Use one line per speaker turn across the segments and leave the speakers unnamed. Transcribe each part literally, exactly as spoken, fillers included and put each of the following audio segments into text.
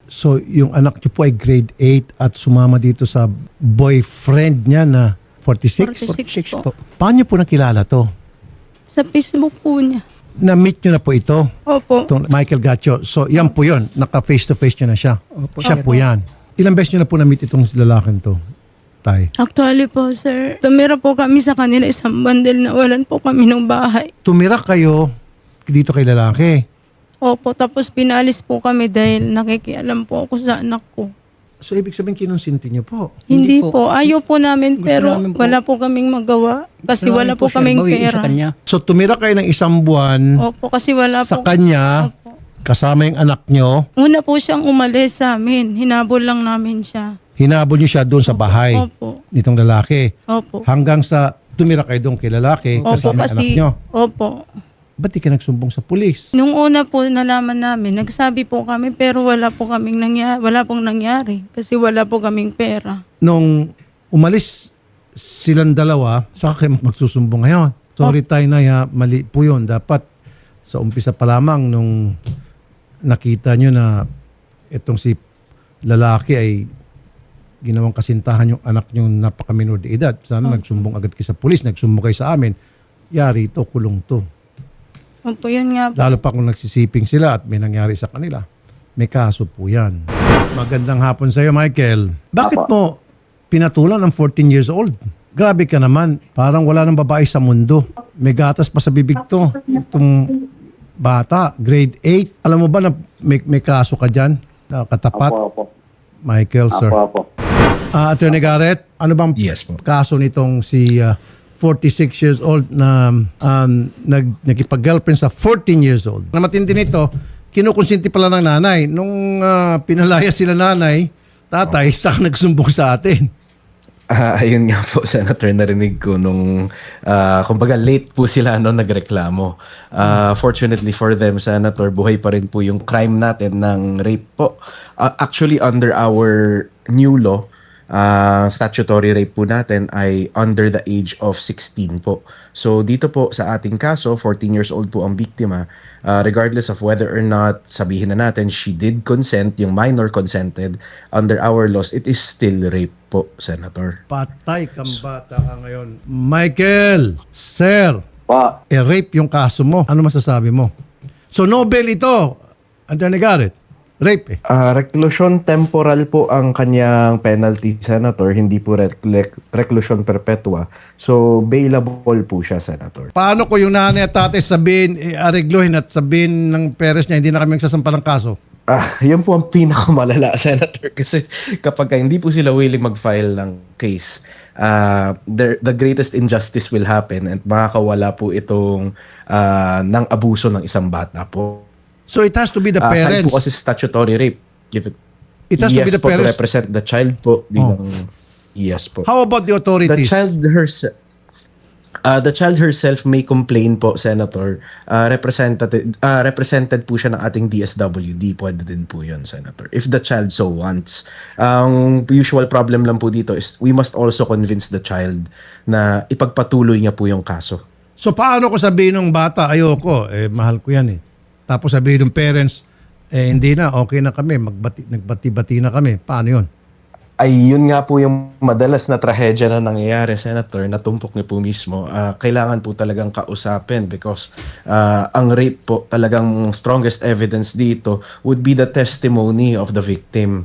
So, yung anak niyo po ay grade eight at sumama dito sa boyfriend niya na forty-six?
forty-six po.
Paano niyo po nakilala to?
Sa Facebook po niya.
Na-meet niyo na po ito?
Opo.
Itong Michael Gacho. So, yan po yun. Naka-face-to-face niyo na siya.
Opo,
Siya
sir.
po yan. Ilang beses niyo na po na-meet itong lalaking to? Tay.
Actually po, sir, tumira po kami sa kanila isang bandel na walan po kami ng bahay.
Tumira kayo dito kay lalaki.
Opo, tapos pinalis po kami dahil nakikialam po ako sa anak ko.
So, ibig sabihin kinonsinti niyo po.
Hindi,
Hindi
po.
po.
Ayaw po namin
Gusto
pero
namin po.
wala po kaming magawa. Kasi
Gusto
wala
namin
po
siya
kaming
bawiin
pera.
Sa kanya.
So, tumira kayo ng isang buwan
Opo, kasi wala
sa
po.
kanya,
Opo.
kasama yung anak niyo.
Una po siyang umalis sa amin. Hinabol lang namin siya.
Hinabol niyo siya doon sa bahay
Opo.
nitong lalaki.
Opo.
Hanggang sa tumira kayo doon kay lalaki
Opo,
kasama yung anak
kasi,
niyo.
opo.
Ba't di ka nagsumbong sa pulis?
Nung una po nalaman namin, nagsabi po kami pero wala po kaming nangyari, wala pong nangyari kasi wala po kaming pera.
Nung umalis silang dalawa, saka kayo magsusumbong ngayon. Sorry tayo na ya, mali po yun. Dapat sa umpisa pa lamang nung nakita nyo na itong si lalaki ay ginawang kasintahan yung anak nyo napakaminor de edad. Sana nagsumbong agad kayo sa pulis, nagsumbong kayo sa amin. Yari ito, kulong to.
Opo, yun nga po.
Lalo pa kung nagsisiping sila at may nangyari sa kanila. May kaso po yan. Magandang hapon sa iyo, Michael. Bakit mo pinatulan ng fourteen years old? Grabe ka naman. Parang wala nang babae sa mundo. May gatas pa sa bibig to. Itong bata, grade eight. Alam mo ba na may, may kaso ka dyan? Na katapat?
Apo, apo.
Michael, sir.
Apo, apo.
Ah, Attorney Garrett, ano bang
Yes po.
kaso nitong si ah, forty-six years old na um, nag, nakipag-girlfriend sa fourteen years old? Na matindi nito, kinukonsinti pala ng nanay. Nung ah, pinalaya sila nanay, tatay, saka nagsumbong sa atin.
Ah, ayun nga po, Senator, narinig ko nung, ah, kumbaga late po sila no, nagreklamo. Ah, fortunately for them, Senator, buhay pa rin po yung crime natin ng rape po. Ah, actually, under our new law, ah, statutory rape po natin ay under the age of sixteen po. So dito po sa ating kaso, fourteen years old po ang biktima. Ah, regardless of whether or not sabihin na natin she did consent, yung minor consented, under our laws, it is still rape po, Senator.
Patay kang bata ka ngayon. Michael, sir,
Pa,
eh, rape yung kaso mo. Ano masasabi mo? So, Nobel ito, Attorney Garrett. Rape eh.
Ah, reclusion temporal po ang kanyang penalty, Senator, hindi po rec- rec- reclusion perpetua. So, bailable po siya, Senator.
Paano ko yung nanay at tatay sabihin, eh, aregluhin at sabihin ng parents niya, hindi na kami magsasampa ng kaso?
Ah, yun po ang pinakamalala, Senator, kasi kapag hindi po sila willing mag-file ng case, uh, the, the greatest injustice will happen and makakawala po itong uh, ng abuso ng isang bata po.
So it has to be the
Ah, aside
parents.
po kasi statutory rape. Give it,
It has to
yes
be the
po, to
parents.
represent the child po. Bilang, Yes po.
How about the
The
authorities?
child herself, uh, the child herself may complain po, Senator. Uh, represented, uh, represented po siya ng ating D S W D. Pwede din po yun, Senator. If the child so wants. Ang usual problem lang po dito is we must also convince the child na ipagpatuloy niya po yung kaso.
So paano ko sabihin ng bata, ayoko, eh mahal ko yan eh. Tapos sabihin ng parents, eh hindi na, okay na kami, magbati, nagbati-bati na kami. Paano yun?
Ay, yun nga po yung madalas na trahedya na nangyayari, Senator, natumpok niyo po mismo. Ah, kailangan po talagang kausapin because ah, ang rape po, talagang strongest evidence dito would be the testimony of the victim.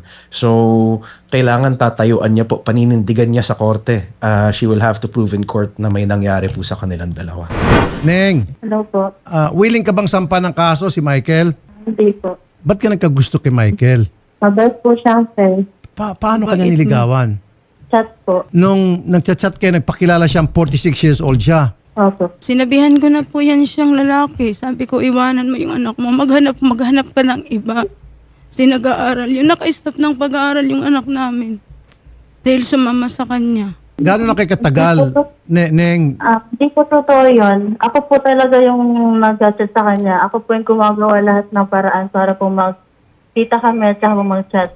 So, kailangan tatayuan niya po, paninindigan niya sa korte. Ah, she will have to prove in court na may nangyari po sa kanilang dalawa.
Neng,
Hello po.
ah, willing ka bang sampa ng kaso si Michael?
Hindi po.
Ba't ka nagkagusto kay Michael?
Mabait po siya, sir.
Pa- paano ka niya
Bakit
niligawan?
Chat po.
Nung nagchat-chat kayo, nagpakilala siyang forty-six years old siya.
Opo.
Sinabihan ko na po yan siyang lalaki. Sabi ko, iwanan mo yung anak mo. Maghanap, maghanap ka ng iba. Kasi nag-aaral. Yung naka-stop ng pag-aaral yung anak namin. Dahil sumama sa kanya.
Gano'n na kayo katagal, ne- Neng?
Ah, hindi po totoo yun. Ako po talaga yung nag-chat sa kanya. Ako po yung gumagawa lahat ng paraan para po mag-kita kami at saka mag-chat.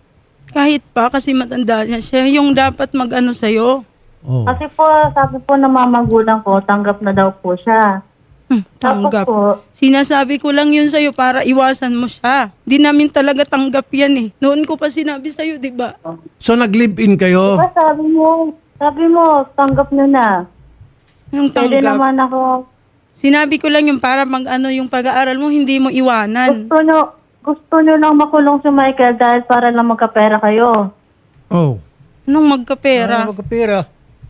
Kahit pa, kasi matanda niya siya. Yung dapat mag-ano sa'yo.
Oh.
Kasi po, sabi po ng mga magulang ko, tanggap na daw po siya.
Hmm,
Tapos
tanggap.
po,
Sinasabi ko lang yun sa'yo para iwasan mo siya. Di namin talaga tanggap yan eh. Noon ko pa sinabi sa'yo, di ba?
So nag-live-in kayo?
diba sabi mo, sabi mo, tanggap nyo na.
Yung
Pwede
tanggap.
naman ako.
Sinabi ko lang yung para mag ano yung pag-aaral mo, hindi mo iwanan.
Gusto nyo, gusto nyo lang makulong si Michael dahil para lang magkapera kayo.
Oh.
Anong magkapera?
Ano magkapira?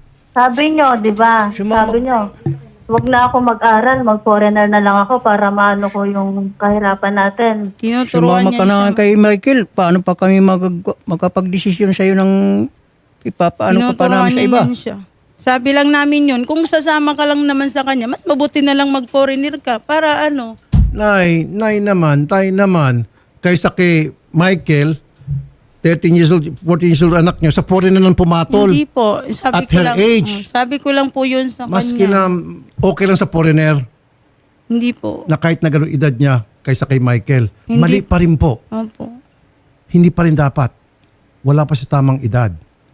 Sabi nyo, di ba?
Sumama-
Sabi nyo, wag na ako mag-aral, mag-foreigner na lang ako para maano ko yung kahirapan natin.
Tinuturuan
Sumama
niya
ka na
siya.
kay Michael. Paano pa kami mag makapag-desisyon sa'yo ng ipapaano ka pa
Tinuturuan
namin sa
niya
iba?
yan siya. Sabi lang namin yun, kung sasama ka lang naman sa kanya, mas mabuti na lang mag-foreigner ka para ano.
Nay, nay naman, tay naman, kaysa kay Michael, thirteen years old, fourteen years old anak nyo, sa foreign na lang pumatol.
Hindi po. Sabi
At
ko
her
lang,
age.
oh, sabi ko lang po yun sa
Maski
kanya.
na okay lang sa foreigner,
Hindi po.
na kahit na gano'ng edad niya kaysa kay Michael,
Hindi.
mali pa rin po.
Opo.
Hindi pa rin dapat. Wala pa sa tamang edad.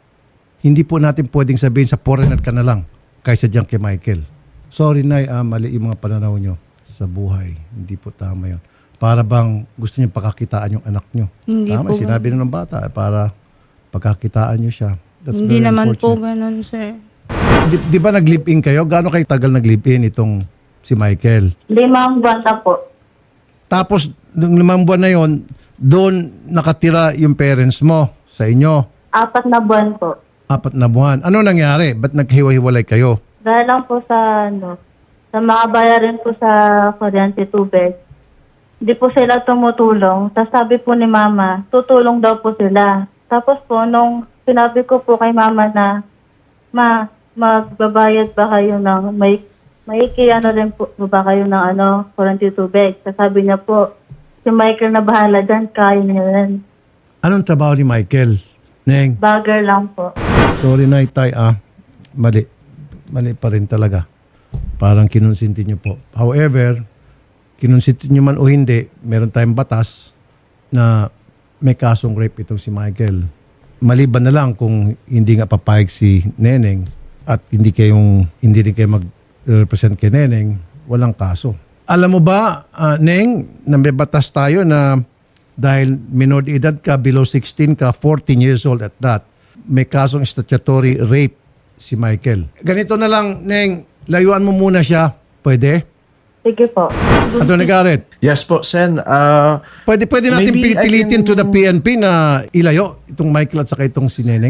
Hindi po natin pwedeng sabihin sa foreigner ka na lang kaysa diyan kay Michael. Sorry, Nay, ah, mali yung mga pananaw nyo sa buhay. Hindi po tama yun. Para bang gusto niyo pagkakitaan yung anak nyo.
Hindi
Tama,
po.
sinabi na ng bata, eh, para pagkakitaan nyo siya. That's
Hindi
very
naman po
unfortunate.
ganun, sir.
Di, di ba nag-live-in kayo? Gaano kayo tagal nag-live-in itong si Michael?
Limang buwan na po.
Tapos, nung limang buwan na yon, doon nakatira yung parents mo sa inyo.
Apat na buwan po.
Apat na buwan. Ano nangyari? Ba't naghiwa-hiwalay kayo?
Dahil lang po sa ano, sa mga bayarin po sa kuryente tubig. Hindi po sila tumutulong. Tapos sabi po ni Mama, tutulong daw po sila. Tapos po, nung sinabi ko po kay Mama na, Ma, magbabayad ba kayo ng, may, may ano rin po ba kayo ng ano, kuryente tubig? Tapos sabi niya po, si Michael na bahala dyan, kaya niya rin.
Anong trabaho ni Michael? Neng,
Bagger lang po.
sorry na itay ah. Mali. Mali pa rin talaga. Parang kinonsinti niyo po. However, kinonsinti niyo man o hindi, meron tayong batas na may kasong rape itong si Michael. Maliban na lang kung hindi nga papayag si Neneng at hindi kayong hindi rin kayo mag-represent kay Neneng, walang kaso. Alam mo ba, ah, Neng, na may batas tayo na dahil minor de edad ka, below sixteen ka, fourteen years old at that, may kasong statutory rape si Michael. Ganito na lang, Neng, layuan mo muna siya. Pwede?
Sige po.
Attorney Garrett,
Yes po, Sen. Uh,
pwede, pwede natin
Maybe I
pilitin
can-
to the P N P na ilayo itong Michael at saka itong si Neneng?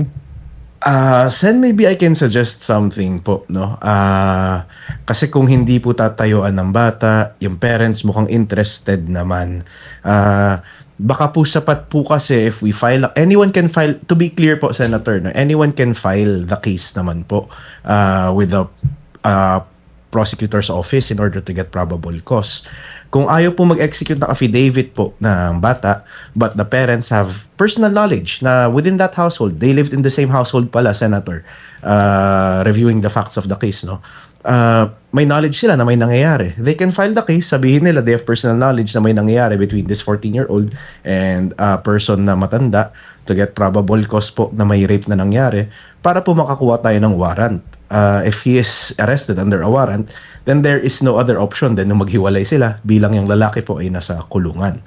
Uh, Sen, maybe I can suggest something po, no? Uh, kasi kung hindi po tatayuan ng bata, yung parents mukhang interested naman. Uh, baka po sapat po kasi if we file, anyone can file, to be clear po, Senator, no? Anyone can file the case naman po uh, with the uh, prosecutor's office in order to get probable cause. Kung ayaw po mag-execute ng affidavit po ng bata, but the parents have personal knowledge na within that household, they lived in the same household pala, Senator, uh, reviewing the facts of the case, no? Uh, may knowledge sila na may nangyayari. They can file the case, sabihin nila they have personal knowledge na may nangyayari between this fourteen-year-old and a person na matanda to get probable cause po na may rape na nangyari para po makakuha tayo ng warrant. Uh, if he is arrested under a warrant, then there is no other option than na maghiwalay sila bilang yung lalaki po ay nasa kulungan.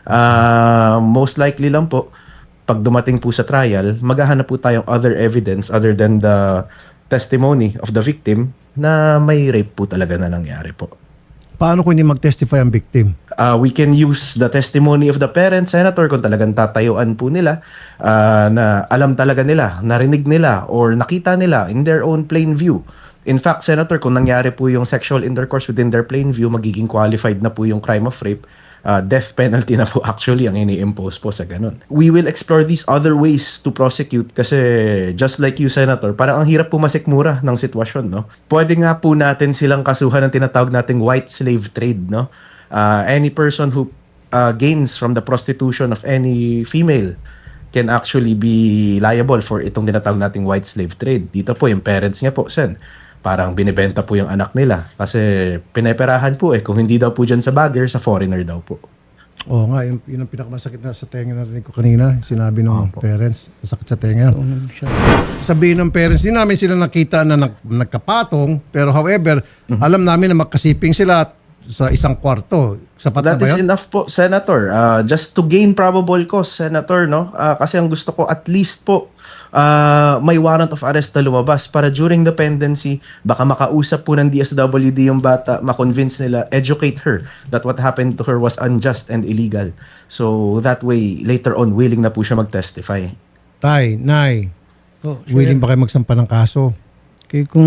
Uh, most likely lang po, pag dumating po sa trial, maghahanap po tayong other evidence other than the testimony of the victim na may rape po talaga na nangyari po.
Paano kung hindi mag-testify ang victim?
Uh, we can use the testimony of the parents, Senator, kung talagang tatayuan po nila uh, na alam talaga nila, narinig nila, or nakita nila in their own plain view. In fact, Senator, kung nangyari po yung sexual intercourse within their plain view, magiging qualified na po yung crime of rape. Uh, death penalty na po actually ang ini-impose po sa ganun. We will explore these other ways to prosecute kasi just like you, Senator, parang ang hirap po masikmura ng sitwasyon, no? Pwede nga po natin silang kasuhan ng tinatawag nating white slave trade, no? Uh, any person who uh, gains from the prostitution of any female can actually be liable for itong tinatawag nating white slave trade. Dito po yung parents niya po, Sen, parang binibenta po yung anak nila kasi pineperahan po eh. Kung hindi daw po dyan sa bagger, sa foreigner daw po.
Oo nga, yun, yun ang pinakamasakit na sa tenga na narinig ko kanina. Sinabi ng parents, masakit sa tenga. Sabihin ng parents, hindi namin sila nakita na nag, nagkapatong, pero however, alam namin na magkasiping sila at sa isang kwarto. Sapat na
That
ba
is
yun?
enough po, Senator. Uh, just to gain probable cause, Senator, no? Uh, kasi ang gusto ko, at least po, uh, may warrant of arrest na lumabas para during the pendency, baka makausap po ng D S W D yung bata, makonvince nila, educate her that what happened to her was unjust and illegal. So that way, later on, willing na po siya mag-testify.
Tay, Nay,
Po, sir.
willing ba kayo magsampa ng kaso?
Kaya kung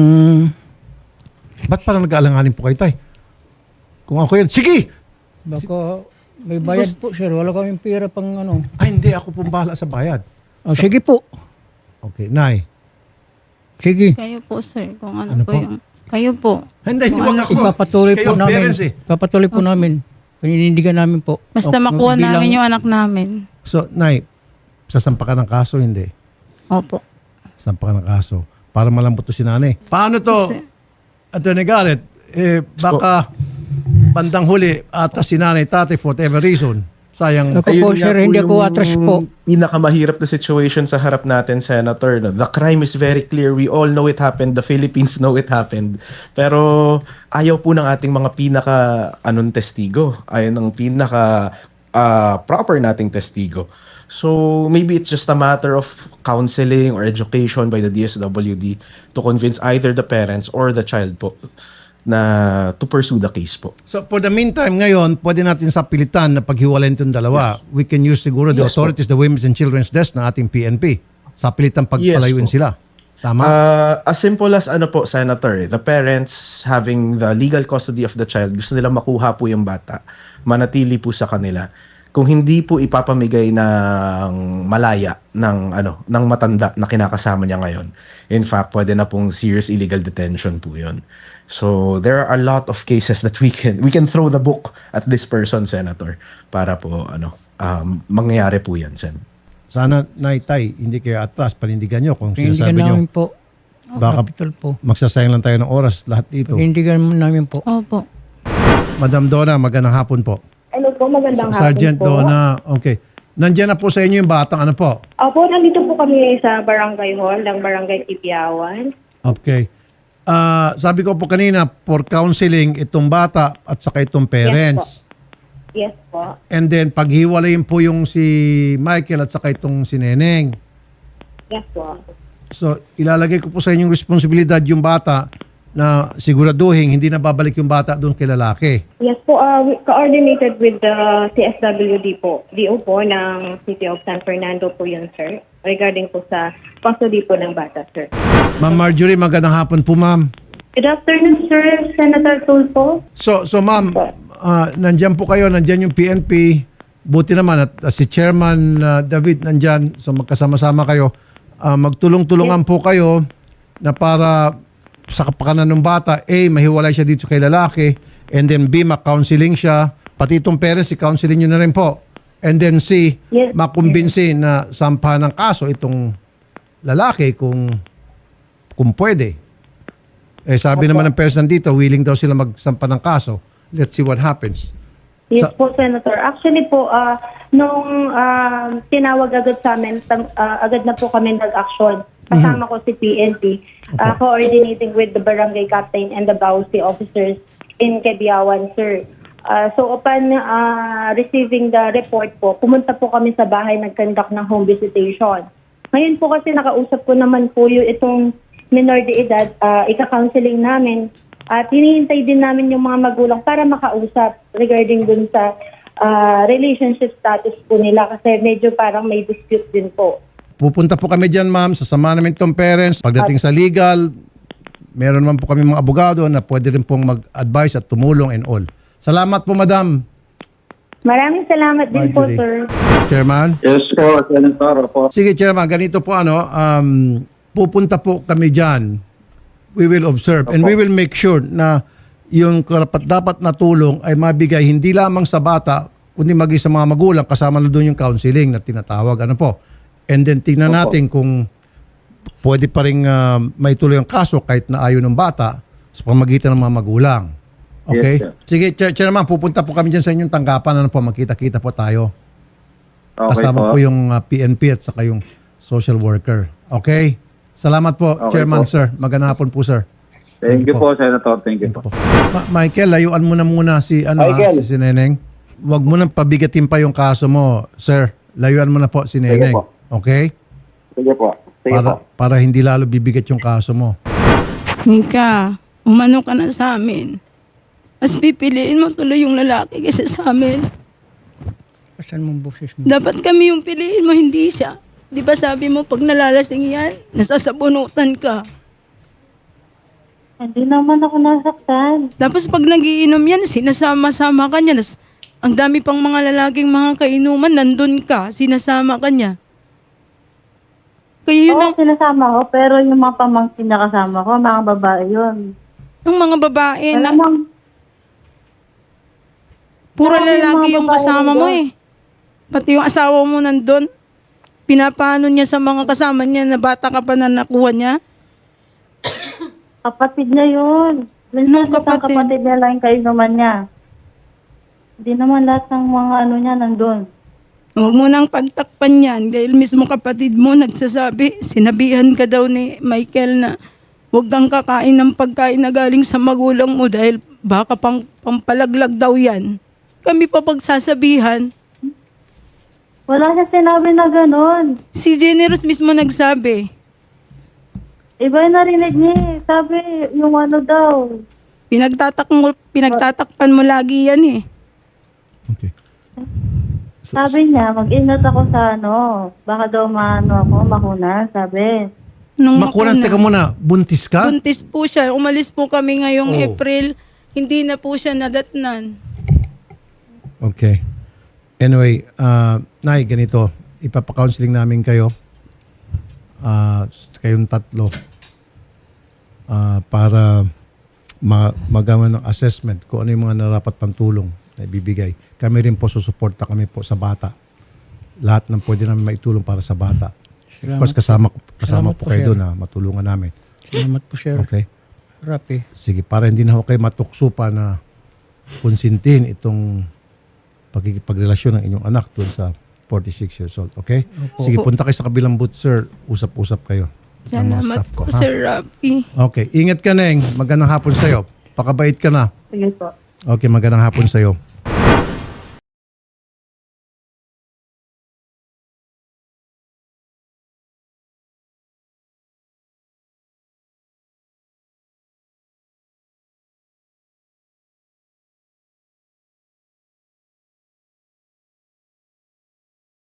Ba't parang nag-aalanganin po kayo, Tay? Kung ako yun, sige!
baka may bayad po sir, wala kaming pera pang ano.
Ay, hindi. Ako pong bahala sa bayad.
Ah, sige po.
Okay, Nay.
Sige.
Kayo po, sir, kung ano,
Ano
po
po?
yung... Kayo po.
Hindi, hindi wag ako.
Ipapatuloy
Kayo
po
ang
namin.
parents eh.
Ipapatuloy po namin. Paninindigan namin po.
Basta
O,
makuha
bilang-
namin yung anak namin.
So, Nay, sasampa ka ng kaso, hindi?
Opo.
Sampa ka ng kaso. Para malambot to si nanay. Paano to,
Kasi-
Attorney Garrett? Eh, baka bandang huli, atas si nanay, tatay, for whatever reason. Sayang.
Ako po,
nga
sir, hindi ako
yung
atras po.
pinakamahirap na situation sa harap natin, Senator. No? The crime is very clear. We all know it happened. The Philippines know it happened. Pero ayaw po ng ating mga pinaka anong testigo. Ayaw ng pinaka ah, proper nating testigo. So maybe it's just a matter of counseling or education by the D S W D to convince either the parents or the child po na to pursue the case po.
So, for the meantime, ngayon, pwede natin sa pilitan na paghiwalayin itong dalawa. We can use siguro the
Yes,
authorities, the Women's and Children's Desk na ating P N P. Sa pilitan pagpalayuin
Yes, po.
sila. Tama?
Uh, as simple as ano po, Senator, the parents having the legal custody of the child, gusto nila makuha po yung bata, manatili po sa kanila. Kung hindi po ipapamigay ng malaya ng ano ng matanda na kinakasama niya ngayon. In fact, pwede na pong serious illegal detention po 'yon. So there are a lot of cases that we can we can throw the book at this person, Senator, para po ano um, mangyayari po 'yan, Sen.
Sana, Nay, Tay, hindi kayo atras. Panindigan nyo kung
Panindigan
sinasabi nyo.
namin po.
Baka
Capital po.
magsasayang lang tayo ng oras lahat dito.
Panindigan namin po.
Opo.
Madam Donna, magandang hapon po.
Ano po, magandang hapon
Sergeant
po.
Donna, okay. Nandiyan na po sa inyo yung batang ano po?
Opo, nandito po kami sa Barangay Hall ng Barangay Tipiawan.
Okay. Ah, sabi ko po kanina, for counseling itong bata at saka itong parents.
Yes po.
And then paghiwalayin po yung si Michael at saka itong si Neneng.
Yes po.
So ilalagay ko po sa inyong responsibilidad yung bata na siguraduhin hindi na babalik yung bata doon kay lalaki.
Yes po, uh, we coordinated with the C S W D po, D O po ng City of San Fernando po yun, sir. Regarding po sa custody po ng bata, sir.
Ma'am Marjorie, magandang hapon po, ma'am.
Good afternoon, sir. Senator Tulfo.
So, so ma'am, ah, nandyan po kayo, nandyan yung P N P. Buti naman at ah, si Chairman ah, David nandyan. So magkasama-sama kayo. Ah, magtulong-tulungan po kayo na para sa kapakanan ng bata, A, mahiwalay siya dito kay lalaki, and then B, ma-counseling siya. Pati itong parents, i-counseling nyo na rin po. And then C,
Yes.
makumbinsi na sampahan ng kaso itong lalaki kung kung pwede. Eh sabi naman ng parents nandito, willing daw sila magsampa ng kaso. Let's see what happens.
Yes
Sa-
po, Senator. Actually po, ah, nung ah, tinawag agad sa amin, tam- ah, agad na po kami nag-action. Kasama ko si P N P, ah, coordinating with the barangay captain and the Bausi officers in Kebiawan, sir. Ah, so upon ah, receiving the report po, pumunta po kami sa bahay, nag-conduct ng home visitation. Ngayon po kasi nakausap ko naman po yung itong minor de edad, uh, ika-counseling namin. At hinihintay din namin yung mga magulang para makausap regarding dun sa ah, relationship status po nila kasi medyo parang may dispute din po.
Pupunta po kami dyan, ma'am. Sasama namin itong parents. Pagdating sa legal, meron naman po kami mga abogado na pwede rin pong mag-advise at tumulong and all. Salamat po, madam.
Maraming salamat din po,
Marjorie.
sir.
Chairman.
Yes po, Senator. Po.
Sige, Chairman. Ganito po, ano, um, pupunta po kami dyan. We will observe and we will make sure na yung karapat dapat na tulong ay mabigay hindi lamang sa bata, kundi maging sa mga magulang, kasama na doon yung counseling na tinatawag. Ano po? And then tingnan natin kung pwede pa rin uh, may tuloy ang kaso kahit na ayaw ng bata sa pamagitan ng mga magulang. Okay?
Yes, sir.
Sige, Chair, Chairman, pupunta po kami dyan sa inyong tanggapan. Ano po, magkita-kita po tayo.
Okay
Kasama po,
po.
yung uh, P N P at saka yung social worker. Okay? Salamat po,
Okay
Chairman,
po.
sir. Magandang hapon po, sir.
Thank you po, Senator. Thank you po.
Ma- Michael, layuan mo na muna si, ano, ha,
Michael.
si, si Neneng. Huwag mo nang pabigatin pa yung kaso mo, sir. Layuan mo na po si Neneng.
po.
Okay?
Sige po. Sige
Para,
po.
para hindi lalo bibigat yung kaso mo.
Mika, umano ka na sa amin. Mas pipiliin mo tuloy yung lalaki kaysa sa amin.
Asan mong boses mo?
Dapat kami yung piliin mo, hindi siya. Di ba sabi mo, pag nalalasing yan, nasasabunutan ka.
Hindi naman ako nasaktan.
Tapos pag nagiinom yan, sinasama-sama ka niya. Nas- ang dami pang mga lalaking mga kainuman, nandun ka, sinasama ka niya. Kaya yun
Oo,
ang,
sinasama ko, pero yung mga pamangkin na kasama ko, mga babae yun.
ang mga babae na,
Malamang,
puro
Marami yung
lalaki
mga
yung
babae
kasama mo
doon.
eh. Pati yung asawa mo nandun. Pinapano niya sa mga kasama niya na bata ka pa na nakuha niya.
kapatid niya yun.
Anong
Minsan kapatid?
kapatid?
kapatid niya lang yung kainuman niya. Hindi naman lahat ng mga ano niya nandun.
Huwag mo nang pagtakpan yan dahil mismo kapatid mo nagsasabi, sinabihan ka daw ni Michael na huwag kang kakain ng pagkain na galing sa magulang mo dahil baka pang pampalaglag daw yan. Kami pa pagsasabihan.
Wala siya sinabi na ganun.
Si Generous mismo nagsabi.
Iba yung narinig niya eh. Sabi, yung ano daw.
Pinagtatak mo, pinagtatakpan mo lagi yan eh.
Okay.
Sabi niya, mag-ingat ako sa ano. Baka daw maano ako, makuna. Sabi.
Nung
Makulang,
makuna.
teka muna, buntis ka?
Buntis po siya. Umalis po kami ngayong
Oh.
April. Hindi na po siya nadatnan.
Okay. Anyway, uh, Nay, ganito. Ipapa-counseling namin kayo. Uh, kayong tatlo. Uh, para ma magawa ng assessment kung ano yung mga narapat pang tulong na ibibigay. Kami rin po susuporta kami po sa bata. Lahat ng pwede namin maitulong para sa bata. Of course, kasama, kasama
Salamat
po
po,
kayo
sir.
doon na matulungan namin.
Salamat po, sir.
Okay?
Rapi.
Sige, para hindi na ako kayo matukso pa na konsintin itong pagkikipagrelasyon ng inyong anak doon sa forty-six years old. Okay? Sige, punta kayo sa kabilang booth, sir. Usap-usap kayo. ng mga
Salamat
staff ko,
po,
ha?
Sir Rafi.
Okay. Ingat ka, Neng. Magandang hapon sa'yo. Pakabait ka na.
Sige po.
Okay, magandang hapon sa'yo.